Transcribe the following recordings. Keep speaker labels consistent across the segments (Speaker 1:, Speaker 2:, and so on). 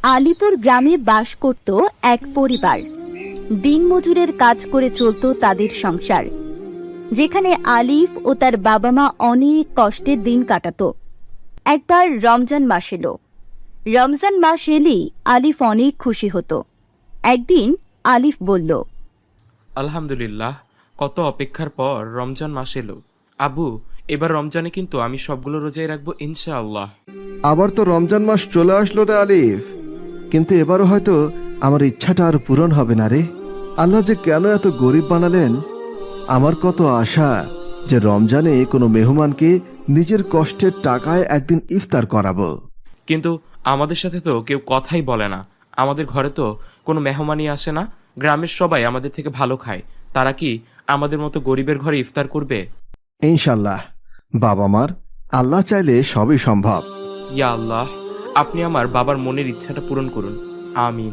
Speaker 1: আলিপুর গ্রামে বাস করত এক পরিবার। দিনমজুরের কাজ করে চলত তাদের সংসার, যেখানে আলিফ ও তার বাবা মা অনেক কষ্টের দিন কাটাতো। একবার রমজান মাস এলো। রমজান মাস এলেই আলিফ অনেক খুশি হতো। একদিন আলিফ বলল,
Speaker 2: আলহামদুলিল্লাহ, কত অপেক্ষার পর রমজান মাস এলো। আবু, এবার রমজানে কিন্তু আমি সবগুলো রোজাই রাখবো ইনশাআল্লাহ।
Speaker 3: আবার তো রমজান মাস চলে আসলো রে আলিফ, কিন্তু এবারও হয়তো আমার ইচ্ছাটা আর পূরণ হবে না রে। আল্লাহ যে কেন এত গরিব বানালেন। আমার কত আশা যে রমজানে কোনো মেহমানকে নিজের কষ্টের টাকায় একদিন ইফতার করাবো।
Speaker 2: কিন্তু আমাদের সাথে তো কেউ কথাই বলে না। আমাদের ঘরে তো কোনো মেহমানই আসে না। গ্রামের সবাই আমাদের থেকে ভালো খায়। তারা কি আমাদের মতো গরিবের ঘরে ইফতার করবে?
Speaker 3: ইনশাল্লাহ, বাবা মার আল্লাহ চাইলে সবই সম্ভব।
Speaker 2: ইয়া আল্লাহ, আপনি আমার বাবার মনের ইচ্ছাটা পূরণ করুন, আমিন।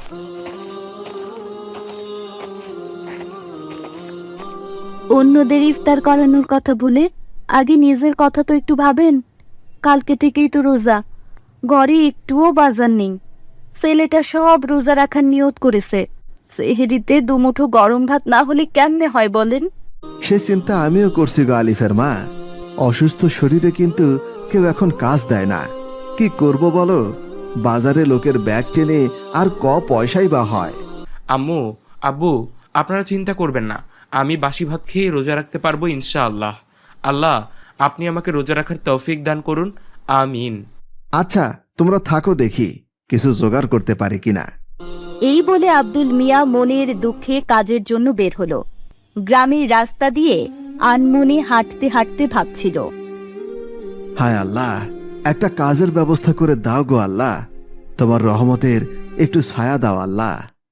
Speaker 1: অন্যদের ইফতার করানোর কথা ভুলে আগে নিজের কথা তো একটু ভাবেন। কালকে থেকেই তো রোজা, ঘরে একটুও বাজার নেই। ছেলেটা সব রোজা রাখার নিয়ত করেছে। সেহরিতে দুমুঠো গরম ভাত না হলে কেমনে হয় বলেন?
Speaker 3: সে চিন্তা আমিও করছি গো আলিফের মা। অসুস্থ শরীরে কিন্তু কেউ এখন কাজ দেয় না। কি করব বলো? বাজারে লোকের ব্যাগ টেনে আর পয়সাই বা হয়।
Speaker 2: আম্মু, আব্বু, আপনারা চিন্তা করবেন না। আমি বাসি ভাত খেয়ে রোজা রাখতে পারবো ইনশাআল্লাহ। আল্লাহ, আপনি আমাকে রোজা রাখার তৌফিক দান করুন, আমিন।
Speaker 3: আচ্ছা, তোমরা থাকো, দেখি কিছু জোগাড় করতে পারি কিনা।
Speaker 1: এই বলে আব্দুল মিয়া মনের দুঃখে কাজের জন্য বের হলো। গ্রামের রাস্তা দিয়ে আনমনে হাঁটতে হাঁটতে ভাবছিল,
Speaker 3: হায় আল্লাহ, একটা কাজের ব্যবস্থা করে দাও গো আল্লাহ। তোমার রহমতের একটু ছায়া দাও আল্লাহ।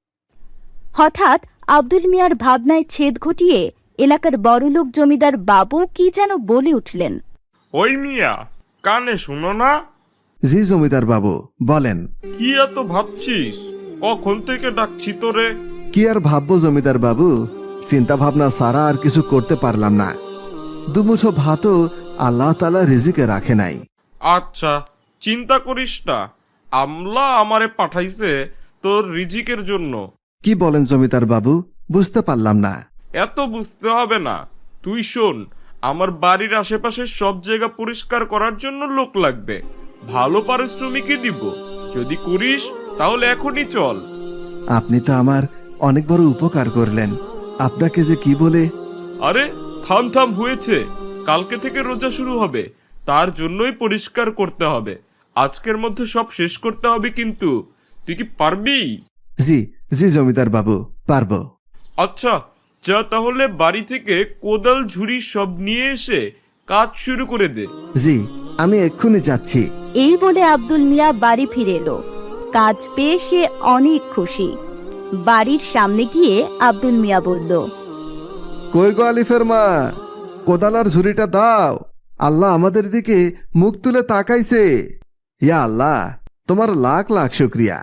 Speaker 1: হঠাৎ আব্দুল মিয়ার ভাবনায় ছেদ ঘটিয়ে এলাকার বড়লোক জমিদার বাবু কি যেন বলে উঠলেন।
Speaker 4: ওই মিয়া, কানে শুনো না?
Speaker 3: জি জমিদার বাবু, বলেন।
Speaker 4: কি এত ভাবছিস? কখন থেকে ডাকছি তোরে?
Speaker 3: কি আর ভাববো জমিদার বাবু, চিন্তা ভাবনা সারা আর কিছু করতে পারলাম না। দুমুঠো ভাতও আল্লাহ তাআলা রিজিকে রাখে নাই।
Speaker 4: আচ্ছা, চিন্তা করিস না। আমলা আমারে পাঠাইছে তোর রিজিকের জন্য।
Speaker 3: কি বলেন জমিদার বাবু, বুঝতে পারলাম না।
Speaker 4: এত বুঝতে হবে না। তুই শোন, আমার বাড়ির আশেপাশে সব জায়গা পরিষ্কার করার জন্য লোক লাগবে। ভালো পারিশ্রমিকই দিব। যদি করিস তাহলে এখনই চল।
Speaker 3: আপনি তো আমার অনেক বড় উপকার করলেন। আপনাকে যে কি বলে।
Speaker 4: আরে থাম থাম, হয়েছে। কালকে থেকে রোজা শুরু হবে, তার জন্যই পরিষ্কার করতে হবে। আজকের মধ্যে সব শেষ করতে হবে, কিন্তু তুই কি পারবি?
Speaker 3: জি জি জমিদার বাবু, পারবো।
Speaker 4: আচ্ছা, যা তাহলে বাড়ি থেকে কোদাল ঝুড়ি সব নিয়ে এসে কাজ শুরু করে দে।
Speaker 3: জি, আমি এক্ষুনি যাচ্ছি।
Speaker 1: এই বলে আব্দুল মিয়া বাড়ি ফিরে এলো। কাজ পেয়ে সে অনেক খুশি। বাড়ির সামনে গিয়ে আব্দুল মিয়া বলল,
Speaker 3: কই গো আলিফের মা, কোদালার ঝুড়িটা দাও। আল্লাহ আমাদের দিকে মুখ তুলে তাকাইছে। ইয়া আল্লাহ, তোমার লাখ লাখ শুকরিয়া।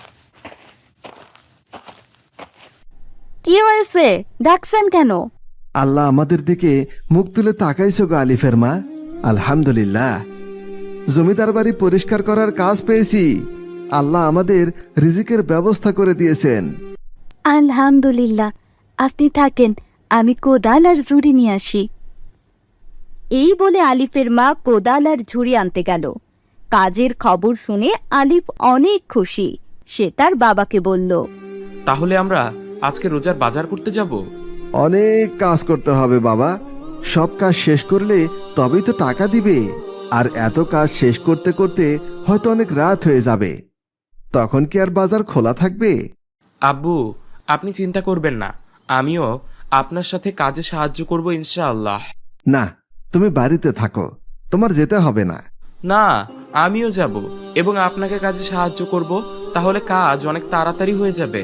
Speaker 1: কি হয়েছে, ডাকছেন কেন?
Speaker 3: আল্লাহ আমাদের দিকে মুখ তুলে তাকাইছো গো আলিফের মা। আলহামদুলিল্লাহ, জমিদার বাড়ি পরিষ্কার করার কাজ পেয়েছি। আল্লাহ আমাদের রিজিকের ব্যবস্থা করে দিয়েছেন।
Speaker 1: আলহামদুলিল্লাহ, আপনি থাকেন, আমি কোদাল আর ঝুড়ি নিয়ে আসি। এই বলে আলিফের মা কোদাল আর ঝুড়ি আনতে গেল। কাজের খবর শুনে আলিফ অনেক খুশি। সে তার বাবাকে বলল,
Speaker 2: তাহলে আমরা আজকে রোজার বাজার করতে যাব।
Speaker 3: অনেক কাজ করতে হবে বাবা। সব কাজ শেষ করলে তবেই তো টাকা দিবে। আর এত কাজ শেষ করতে করতে হয়তো অনেক রাত হয়ে যাবে। তখন কি আর বাজার খোলা থাকবে?
Speaker 2: আব্বু, আপনি চিন্তা করবেন না। আমিও আপনার সাথে কাজে সাহায্য করব ইনশাআল্লাহ।
Speaker 3: না, তুমি বাড়িতে থাকো, তোমার যেতে হবে না।
Speaker 2: না, আমিও যাব এবং আপনাকে কাজে সাহায্য করব। তাহলে কাজ অনেক তাড়াতাড়ি হয়ে যাবে।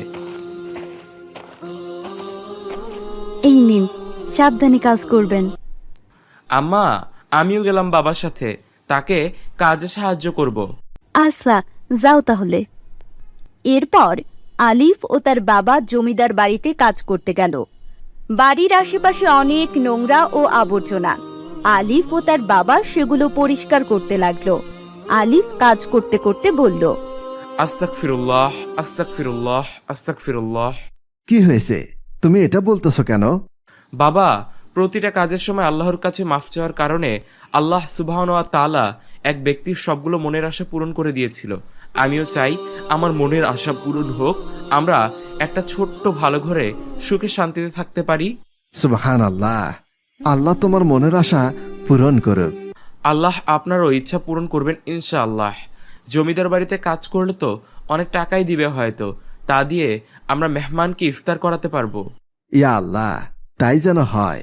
Speaker 1: এই নিন, সাবধানে কাজ করবেন।
Speaker 2: আম্মা, আমিও গেলাম বাবার সাথে, তাকে কাজে সাহায্য করব।
Speaker 1: আচ্ছা, যাও তাহলে। এরপর আলিফ ও তার বাবা জমিদার বাড়িতে কাজ করতে গেল। বাড়ির আশেপাশে অনেক নোংরা ও আবর্জনা। আলিফ ও তার বাবা সেগুলো পরিষ্কার করতে লাগলো। আলিফ কাজ করতে করতে বলল,
Speaker 2: আস্তাগফিরুল্লাহ, আস্তাগফিরুল্লাহ, আস্তাগফিরুল্লাহ।
Speaker 3: কি হয়েছে? তুমি এটা বলতেছো কেন?
Speaker 2: বাবা, প্রতিটা কাজের সময় আল্লাহর কাছে মাফ চাওয়ার কারণে আল্লাহ সুবহানাহু ওয়া তাআলা এক ব্যক্তির সবগুলো মনের আশা পূরণ করে দিয়েছিল। আমিও চাই আমার মনের আশা পূরণ হোক, আমরা একটা ছোট্ট ভালো ঘরে সুখে শান্তিতে থাকতে পারি।
Speaker 3: সুবহানাল্লাহ। আল্লাহ তোমার মনের আশা পূরণ করুক।
Speaker 2: আল্লাহ আপনারও ইচ্ছা পূরণ করবেন ইনশাআল্লাহ। জমিদার বাড়িতে কাজ করলে তো অনেক টাকাই দিবে হয়তো, তা দিয়ে আমরা মেহমানকে ইফতার করাতে পারবো।
Speaker 3: ইয়া আল্লাহ, তাই যেন হয়।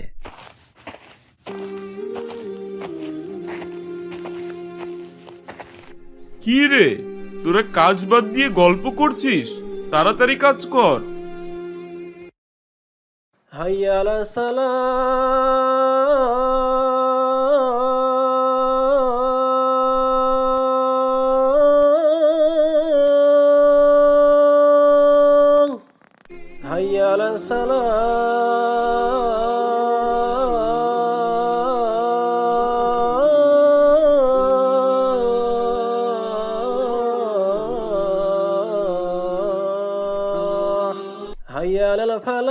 Speaker 4: কি রে, তোরা কাজ বাদ দিয়ে গল্প করছিস? তাড়াতাড়ি কাজ কর।
Speaker 5: হাইয়া আলা সালাম, হাইয়া আলা সালাম, হাইয়া আলাল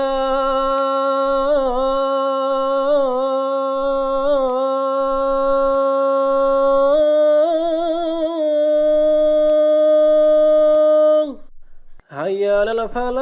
Speaker 5: ফালাহ, হাইয়া আলাল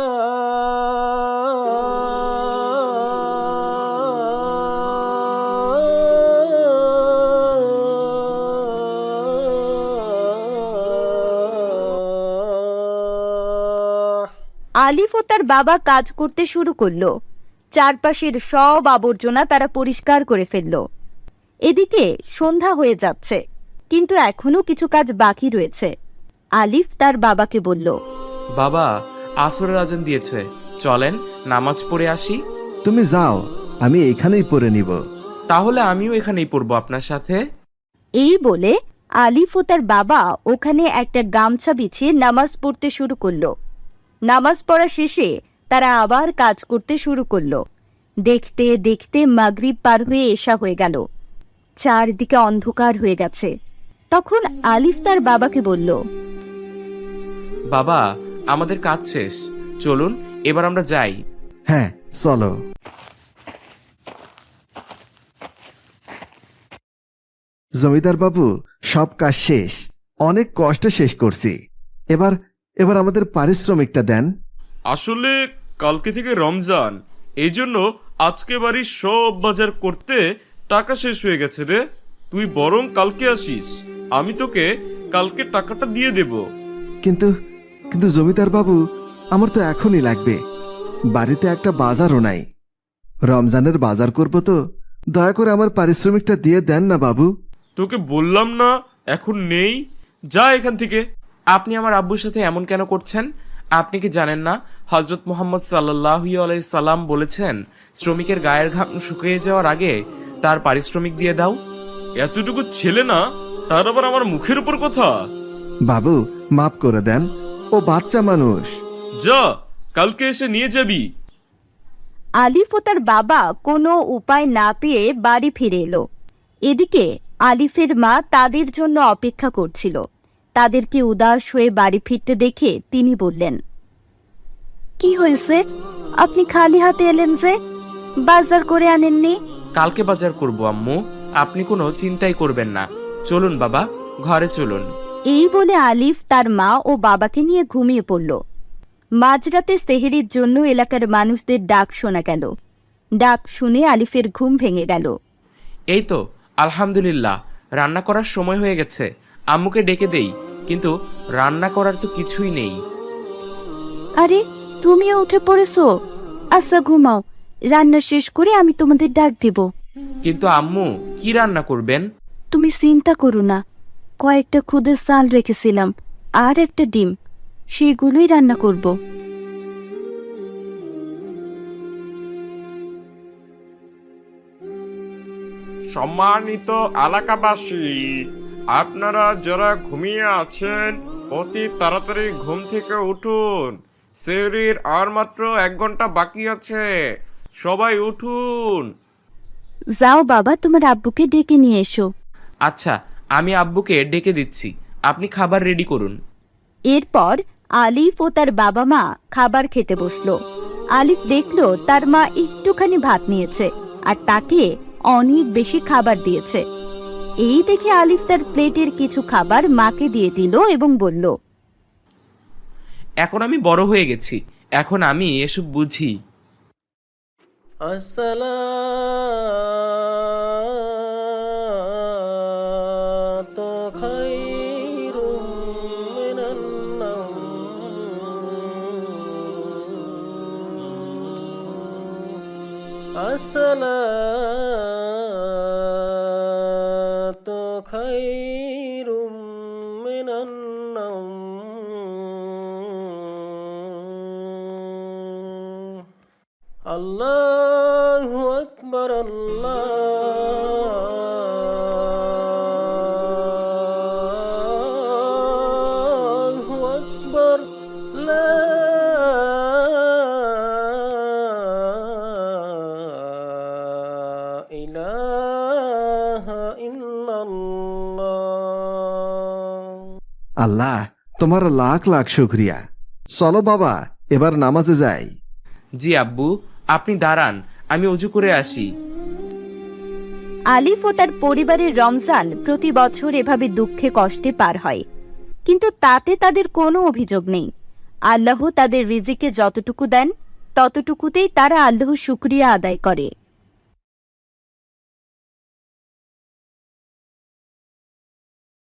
Speaker 5: ফালাহ।
Speaker 1: আলিফ ও তার বাবা কাজ করতে শুরু করলো। চারপাশের সব আবর্জনা তারা পরিষ্কার করে ফেলল। এদিকে সন্ধ্যা হয়ে যাচ্ছে, কিন্তু এখনো কিছু কাজ বাকি রয়েছে। আলিফ তার বাবাকে বলল,
Speaker 2: বাবা, আসরের আজান দিয়েছে, চলেন নামাজ পড়ে আসি।
Speaker 3: তুমি যাও, আমি এইখানেই পড়ে নিব।
Speaker 2: তাহলে আমিও এখানেই পড়বো আপনার সাথে।
Speaker 1: এই বলে আলিফ ও তার বাবা ওখানে একটা গামছা বিছিয়ে নামাজ পড়তে শুরু করলো। নামাজ পড়া শেষে তারা আবার কাজ করতে শুরু করলো। দেখতে দেখতে মাগরিব পার হয়ে এশা হয়ে গেল। চারদিকে অন্ধকার হয়ে গেছে। তখন আলিফ তার বাবাকে বলল,
Speaker 2: বাবা, আমাদের কাজ শেষ, চলুন এবার আমরা যাই।
Speaker 3: হ্যাঁ, চলো। জমিদার বাবু, সব কাজ শেষ, অনেক কষ্টে শেষ করছি। এবার এবার আমাদের পারিশ্রমিকটা দেন।
Speaker 4: আসলে কালকে থেকে রমজান, এই জন্য আজকে বাড়ির সব বাজার করতে টাকা শেষ হয়ে গেছে রে। তুই বরং কালকে আসিস, আমি তোকে কালকে টাকাটা দিয়ে দেব।
Speaker 3: কিন্তু কিন্তু জমিদার বাবু, আমার তো এখনই লাগবে। বাড়িতে একটা বাজারও নাই। রমজানের বাজার করব তো, দয়া করে আমার পারিশ্রমিকটা দিয়ে দেন না বাবু।
Speaker 4: তোকে বললাম না এখন নেই, যা এখান থেকে।
Speaker 2: আপনি আমার আব্বুর সাথে এমন কেন করছেন? আপনি কি জানেন না হযরত মুহাম্মদ সাল্লাল্লাহু আলাইহি সাল্লাম বলেছেন, শ্রমিকের গায়ের ঘাম শুকিয়ে যাওয়ার আগে তার পারিশ্রমিক দিয়ে দাও।
Speaker 4: এতটুকু ছেলে না, তার আবার আমার মুখের উপর কথা।
Speaker 3: বাবু, মাফ করে দেন, ও বাচ্চা মানুষ।
Speaker 4: যা, কালকে এসে নিয়ে যাবি।
Speaker 1: আলিফ ও তার বাবা কোনো উপায় না পেয়ে বাড়ি ফিরে এলো। এদিকে আলিফের মা তাদের জন্য অপেক্ষা করছিল। তাদেরকে উদাস হয়ে বাড়ি ফিরতে দেখে তিনি বললেন, কি হয়েছে? আপনি খালি হাতে এলেন যে? বাজার করে আনেননি?
Speaker 2: কালকে বাজার করব আম্মু, আপনি কোনো চিন্তাই করবেন না। চলুন বাবা, ঘরে চলুন।
Speaker 1: এই বলে আলিফ তার মা ও বাবাকে নিয়ে ঘুমিয়ে পড়ল। মাঝরাতে সেহরির জন্য এলাকার মানুষদের ডাক শোনা গেল। ডাক শুনে আলিফের ঘুম ভেঙে গেল।
Speaker 2: এই তো আলহামদুলিল্লাহ, রান্না করার সময় হয়ে গেছে। আম্মুকে ডেকে দেই, কিন্তু রান্না করার তো কিছুই নেই।
Speaker 1: আরে, তুমিও উঠে পড়েছো? আচ্ছা ঘুমাও, রান্না শেষ করে আমি তোমাদের ডাক দেব।
Speaker 2: কিন্তু আম্মু, কি রান্না করবেন?
Speaker 1: তুমি চিন্তা করো না, কয়েকটা খুদের চাল রেখেছিলাম আর একটা ডিম, সেগুলোই রান্না করব।
Speaker 4: সম্মানিত এলাকাবাসী, আপনারা যারা ঘুমিয়ে আছেন অতি তাড়াতাড়ি ঘুম থেকে উঠুন। সেহরির আর মাত্র 1 ঘন্টা বাকি আছে, সবাই উঠুন।
Speaker 1: যাও বাবা, তোমার আব্বুকে ডেকে নিয়ে এসো।
Speaker 2: আচ্ছা, আমি আব্বুকে ডেকে দিচ্ছি, আপনি খাবার রেডি করুন।
Speaker 1: এরপর আলিফ ও তার বাবা মা খাবার খেতে বসলো। আলিফ দেখলো তার মা একটুখানি ভাত নিয়েছে আর তাকে অনেক বেশি খাবার দিয়েছে। এই দেখে আলিফ তার প্লেটের কিছু খাবার মাকে দিয়ে দিল এবং বলল,
Speaker 2: এখন আমি বড় হয়ে গেছি, এখন আমি এসব বুঝি।
Speaker 5: আসসালাতু খায়রুম মিনান নাওম। আসসালাতু খায়রুম মিনান নাওম। আল্লাহু আকবার, আল্লাহু আকবার, লা ইলাহা ইল্লাল্লাহ।
Speaker 3: আল্লাহ, তোমার লাখ লাখ শুক্রিয়া। চলো বাবা, এবার নামাজে যাই।
Speaker 2: জি আব্বু, আপনি দাঁড়ান, আমি অজু করে আসি।
Speaker 1: আলিফ ও তার পরিবারের রমজান প্রতি বছর এভাবে দুঃখে কষ্টে পার হয়, কিন্তু তাতে তাদের কোনো অভিযোগ নেই। আল্লাহ তাদের রিজিকে যতটুকু দেন ততটুকুতেই তারা আল্লাহর শুকরিয়া আদায় করে।